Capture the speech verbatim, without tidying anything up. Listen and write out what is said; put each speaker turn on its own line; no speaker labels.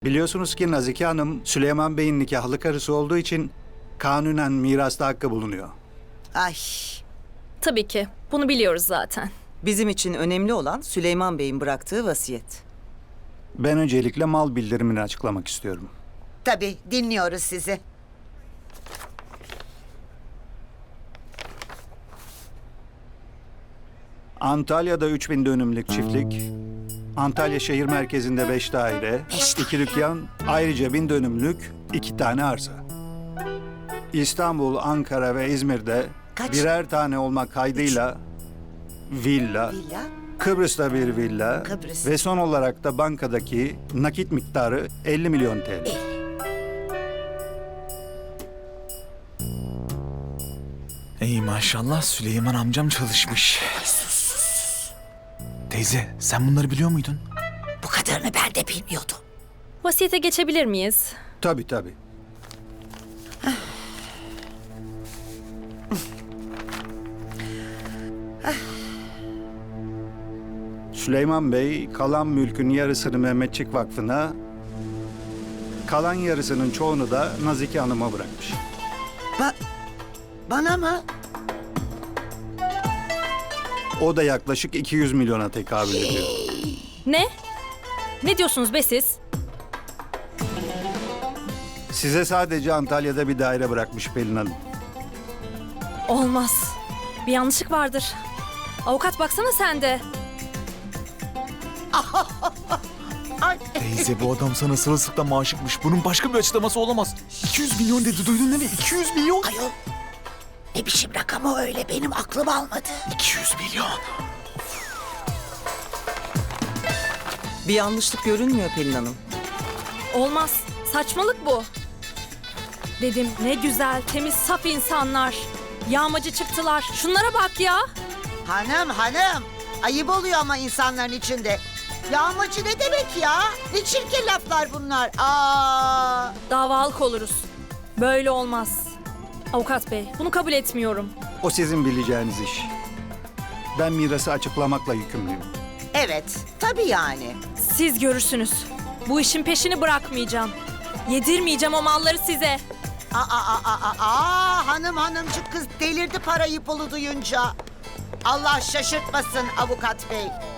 Biliyorsunuz ki Nazike Hanım Süleyman Bey'in nikahlı karısı olduğu için kanunen mirasta hakkı bulunuyor.
Ay,
Tabii ki. Bunu biliyoruz zaten.
Bizim için önemli olan Süleyman Bey'in bıraktığı vasiyet.
Ben öncelikle mal bildirimini açıklamak istiyorum.
tabii dinliyoruz sizi.
Antalya'da üç bin dönümlük çiftlik, Antalya şehir merkezinde beş daire, iki dükkan, ayrıca bin dönümlük iki tane arsa. İstanbul, Ankara ve İzmir'de
Kaç?
birer tane olmak kaydıyla villa,
Villa,
Kıbrıs'ta bir villa
Kıbrıs.
ve son olarak da bankadaki nakit miktarı elli milyon T L.
Ey maşallah Süleyman amcam çalışmış. Teyze sen bunları biliyor muydun?
bu kadarını ben de bilmiyordum.
Vasiyete geçebilir miyiz?
Tabii tabii. Süleyman Bey kalan mülkün yarısını Mehmetçik Vakfı'na, kalan yarısının çoğunu da Nazike Hanım'a bırakmış.
Ba bana mı?
O da yaklaşık iki yüz milyona tekabül ediyor.
Ne? Ne diyorsunuz be siz?
Size sadece Antalya'da bir daire bırakmış Pelin Hanım.
Olmaz. Bir yanlışlık vardır. Avukat baksana sen de.
Ay,
Teyze bu adam sana sırılsıklam aşıkmış. Bunun başka bir açıklaması olamaz. iki yüz milyon dedi duydun değil mi? iki yüz milyon.
ayol. Ne biçim rakam o öyle, benim aklım almadı.
iki yüz milyon.
Bir yanlışlık görünmüyor Pelin Hanım.
Olmaz. Saçmalık bu. Dedim ne güzel, temiz, saf insanlar. Yağmacı çıktılar. Şunlara bak ya.
Hanım hanım, ayıp oluyor ama insanların içinde. Yağmacı ne demek ya? Ne çirkin laflar bunlar. Aa.
Davalık oluruz. Böyle olmaz. Avukat bey, bunu kabul etmiyorum.
O sizin bileceğiniz iş. Ben mirası açıklamakla yükümlüyüm.
Evet, tabii yani.
Siz görürsünüz. Bu işin peşini bırakmayacağım. Yedirmeyeceğim o malları size.
Aa, aa, aa, aa, aa, hanım hanımcık kız delirdi parayı pulu duyunca. Allah şaşırtmasın avukat bey.